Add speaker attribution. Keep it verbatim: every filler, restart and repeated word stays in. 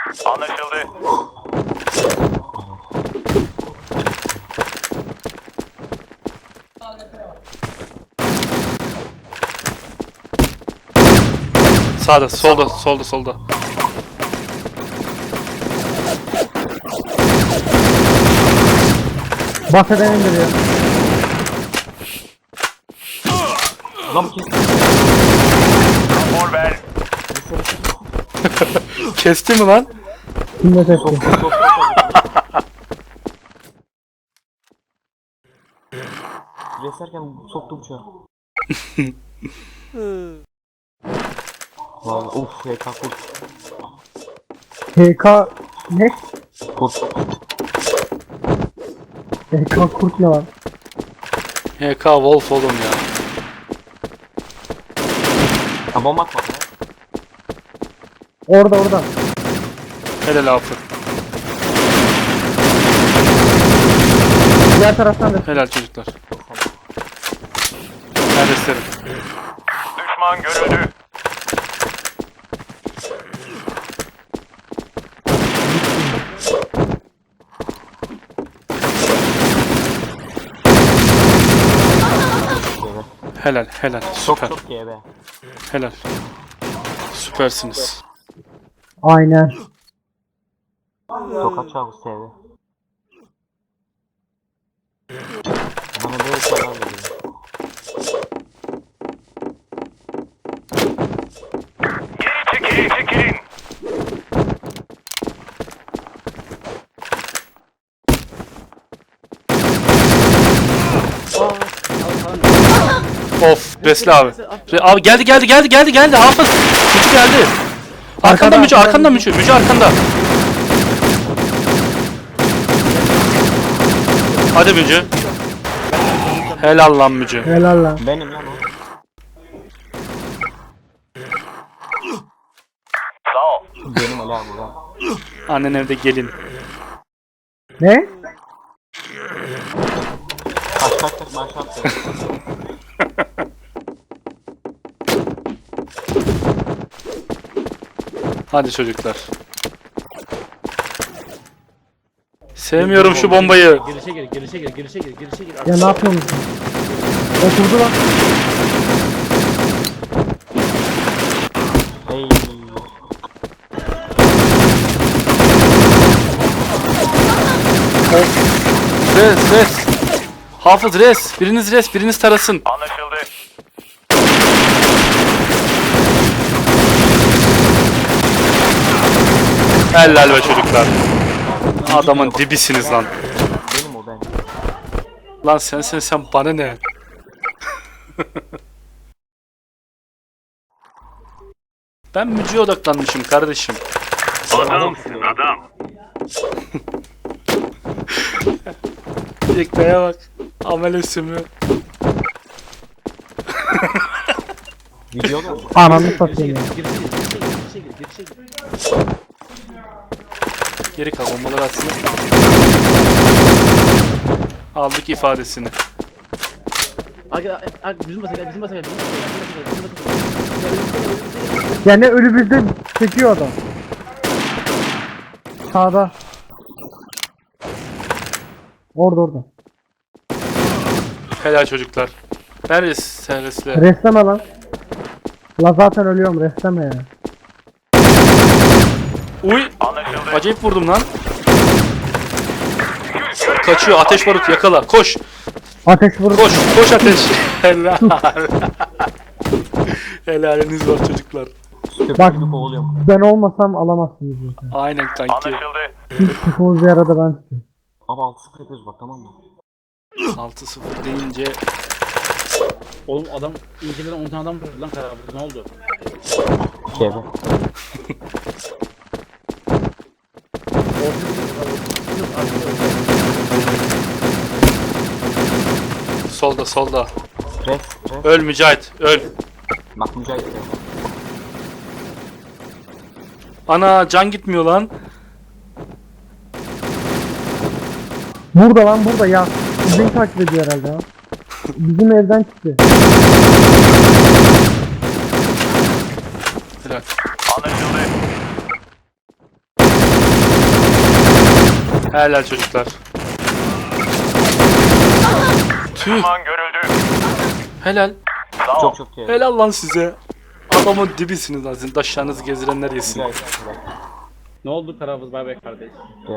Speaker 1: Anlaşıldı.
Speaker 2: Sağda, solda, solda, solda.
Speaker 3: Bahseden indiriyor.
Speaker 4: Adam kes.
Speaker 1: Rapor ver.
Speaker 2: Kesti mi lan?
Speaker 3: Kimle testi?
Speaker 4: Sok sok sok. Reserken soktum şu an. Vallahi uf H K kurt.
Speaker 3: H K ne?
Speaker 4: Kurt.
Speaker 3: H K kurt ne lan?
Speaker 2: H K Wolf oğlum ya.
Speaker 4: Ha bomba atma ya.
Speaker 3: Orada orada.
Speaker 2: Helal Hafız.
Speaker 3: Diğer taraftan da.
Speaker 2: Helal çocuklar. Neredesiniz?
Speaker 1: Düşman görüldü.
Speaker 2: Helal, helal.
Speaker 4: Sok
Speaker 2: Süper.
Speaker 4: sok G B.
Speaker 2: Helal. Süpersiniz.
Speaker 3: Aynen.
Speaker 4: Sok açar bu S V. Bana böyle şeyler veriyor.
Speaker 1: Geri çekilin çekilin.
Speaker 2: Of, Besle abi. Re- abi geldi, geldi, geldi, geldi, geldi. Hafız. Mücü geldi. Arkanda
Speaker 3: Arkada,
Speaker 2: Mücü,
Speaker 3: arkada
Speaker 2: arkanda Mücü. Mücü arkanda. Hadi Mücü. Helal lan Mücü.
Speaker 3: Helal lan.
Speaker 4: Benim lan o.
Speaker 1: Sağ ol.
Speaker 4: Benim Ali abi lan.
Speaker 2: Annen evde gelin.
Speaker 3: Ne?
Speaker 4: Kaç kaç kaç maaş attı.
Speaker 2: Hadi çocuklar. Sevmiyorum şu bombayı.
Speaker 5: Girişe gir, girişe gir, girişe gir, girişe gir.
Speaker 3: Ya ne yapıyorsun? Oturdu lan.
Speaker 4: Hey.
Speaker 2: Res, res. Hafız res. Biriniz res, biriniz tarasın.
Speaker 1: Anlaşıldı.
Speaker 2: Helal be çocuklar. Adamın dibisiniz lan.
Speaker 4: Benim o ben.
Speaker 2: Lan sen sen sen bana ne? Ben Mücü'ye odaklanmışım kardeşim.
Speaker 1: Adamsın adam.
Speaker 2: Yekta'ya bak. Amele sümü.
Speaker 4: Video mu?
Speaker 3: Ananı
Speaker 5: Girişe
Speaker 3: satayım
Speaker 5: gir,
Speaker 3: ya.
Speaker 5: girişe gir, girişe gir, girişe gir, girişe gir.
Speaker 2: Geri kal bombaları atsın. Aldık ifadesini.
Speaker 5: Aga, aga, bizim basa gel, bizim basa gel, bizim basa gel, bizim basa gel, bizim basa gel.
Speaker 3: Yani ölü bizde çekiyor adam. Sağda. Orada orada.
Speaker 2: Helal çocuklar. Neredesin sen resle?
Speaker 3: Restleme lan. La zaten ölüyorum, restleme ya.
Speaker 2: Uy!
Speaker 1: Anlaşıldı.
Speaker 2: Acayip vurdum lan. Kaçıyor ateş barut yakala. Koş.
Speaker 3: Ateş vurup
Speaker 2: Koş. Koş ateş. Helal. Helaliniz var çocuklar.
Speaker 3: bak,
Speaker 4: Köpüğünü kovalıyorum.
Speaker 3: ben olmasam alamazsınız zaten.
Speaker 2: Aynen kanki.
Speaker 1: Anlaşıldı.
Speaker 3: Hiç sıkımız bir arada ben size.
Speaker 4: Ama altı sıfır yapıyoruz bak tamam mı?
Speaker 2: altı sıfır deyince
Speaker 5: Oğlum adam inceden on tane adam vurdu lan karar ne oldu?
Speaker 4: G B.
Speaker 2: solda solda.
Speaker 4: Res. Res.
Speaker 2: Öl Mücahit. Öl.
Speaker 4: Bak Mücahit de.
Speaker 2: Ana can gitmiyor lan.
Speaker 3: Burada lan burada ya. Bizi takip ediyor herhalde ya. Bizim evden çıktı.
Speaker 2: Helal.
Speaker 1: Anlaşıldı.
Speaker 2: Helal çocuklar. Tüh.
Speaker 1: Düşman görüldü.
Speaker 2: Helal.
Speaker 1: Sağ ol.
Speaker 4: Çok çok iyi.
Speaker 2: Helal lan size. Adamın dibisiniz lan. Sizin taşlarınızı gezdirenler yesin.
Speaker 4: Mücahit.
Speaker 5: Ne oldu Karavuz bay bay kardeş?
Speaker 4: Ee,